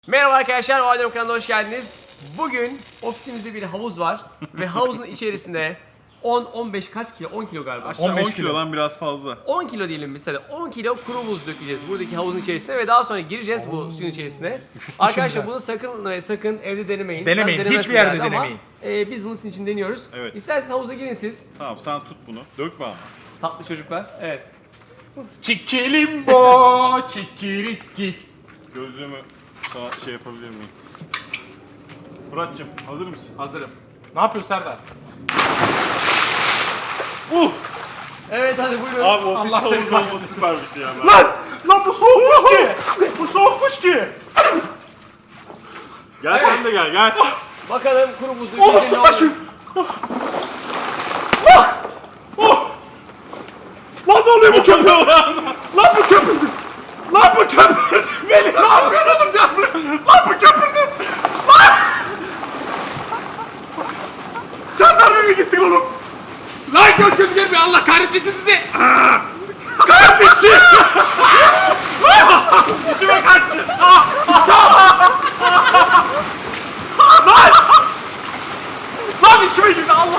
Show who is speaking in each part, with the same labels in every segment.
Speaker 1: Merhaba arkadaşlar, o Adem kanalına hoş geldiniz. Bugün ofisimizde bir havuz var ve havuzun içerisinde 10-15 kaç kilo? 10 kilo galiba.
Speaker 2: Aşağı 10 kilodan biraz fazla.
Speaker 1: 10 kilo diyelim biz hadi. 10 kilo kuru buz dökeceğiz buradaki havuzun içerisine ve daha sonra gireceğiz bu suyun içerisine. Arkadaşlar bunu sakın ve sakın evde denemeyin.
Speaker 3: Denemeyin,
Speaker 1: Tabii
Speaker 3: hiçbir yerde
Speaker 1: denemezsiniz ama,
Speaker 3: denemeyin.
Speaker 1: biz bunun sizin için deniyoruz.
Speaker 2: Evet.
Speaker 1: İsterseniz havuza girin siz.
Speaker 2: Tamam sen tut bunu. Dökme ama.
Speaker 1: Tatlı çocuklar. Evet.
Speaker 3: Çikilimbo, çikiriki.
Speaker 2: Gözlüğümü sana şey yapabilir miyim? Murat'cığım hazır mısın?
Speaker 3: Hazırım. Ne yapıyorsun Serdar?
Speaker 1: Evet hadi buyurun.
Speaker 2: Abi ofis
Speaker 3: Allah seni
Speaker 2: havuzu
Speaker 3: kahretsin.
Speaker 2: olması süper bir şey yani.
Speaker 3: Lan bu soğukmuş ki! Bu soğukmuş ki!
Speaker 2: Gel sen de gel.
Speaker 1: Bakalım kuru buzlu
Speaker 3: Oğlum
Speaker 1: içinde ne
Speaker 3: su taşı!
Speaker 1: olur?
Speaker 3: Lan ne oluyor bu köpüğü? Lan bu köpürdü! Lan bu köpürdü! Beni ne yapıyorsun oğlum canım? Lan bu köpürdü! Lan! Serdar nereye gittik oğlum? Lan köpürdü gelmiyor Allah kahretmesin sizi! Kahretmesin! İçime kaçtı! Lan içime girdi Allah!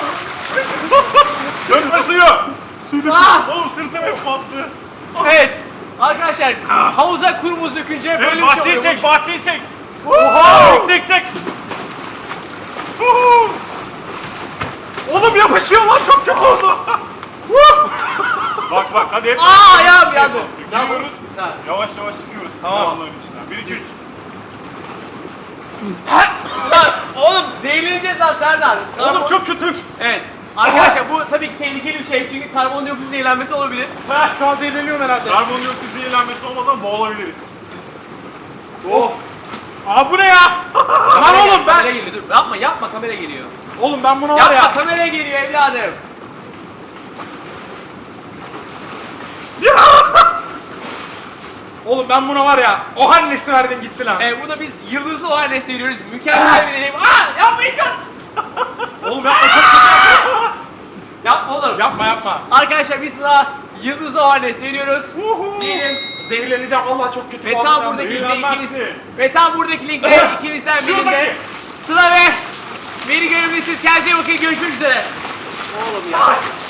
Speaker 2: Dökme suyu!
Speaker 1: Ah!
Speaker 2: Oğlum sırtım hep battı.
Speaker 1: Evet. Arkadaşlar havuza kuru buz dökünce böyle bir şey
Speaker 2: Bahçeyi
Speaker 1: oluyormuş.
Speaker 2: çek, bahçeyi çek. Çek.
Speaker 3: Oğlum yapışıyor lan çok kötü oldu!
Speaker 2: Bak hadi hep.
Speaker 1: Aa ayağım yandı.
Speaker 2: Giriyoruz.
Speaker 1: Ha.
Speaker 2: Yavaş çıkıyoruz.
Speaker 3: Tamam.
Speaker 2: Onların içinden. 1 2 3.
Speaker 1: Lan oğlum zehirleneceğiz lan Serdar.
Speaker 3: Oğlum çok kötü!
Speaker 1: Evet. Arkadaşlar bu tabii ki tehlikeli bir şey çünkü karbondioksit zehirlenmesi olabilir.
Speaker 3: Ha şu an zehirleniyorum herhalde.
Speaker 2: Karbondioksit zehirlenmesi olmasa boğulabiliriz.
Speaker 3: Oh! Aa bu ne ya? Lan oğlum ben...
Speaker 1: Kamera geliyor dur yapma kamera geliyor.
Speaker 3: Oğlum ben buna var
Speaker 1: Yapma
Speaker 3: ya...
Speaker 1: kamera geliyor evladım.
Speaker 3: Oğlum ben buna var ya... O annesi verdim gitti lan.
Speaker 1: Buna biz yıldızlı o halde seviyoruz. Mükemmel bir deneyim. Aa yapmayacağım.
Speaker 3: Oğlum yapma çok kötü.
Speaker 1: Yapma oğlum.
Speaker 3: Yapma.
Speaker 1: Arkadaşlar biz buna yıldızlı o halde seviyoruz. Diyelim.
Speaker 3: Zehirleneceğim vallahi çok kötü.
Speaker 1: Ve
Speaker 3: Vallahi
Speaker 1: tam
Speaker 3: ben
Speaker 1: buradaki linkte
Speaker 2: zehirlenmezsin.
Speaker 1: ikimizden
Speaker 2: Şuradaki.
Speaker 1: birinde Sıla ve beni görebilirsiniz. Kendinize iyi bakın. Görüşmek üzere. Oğlum ya.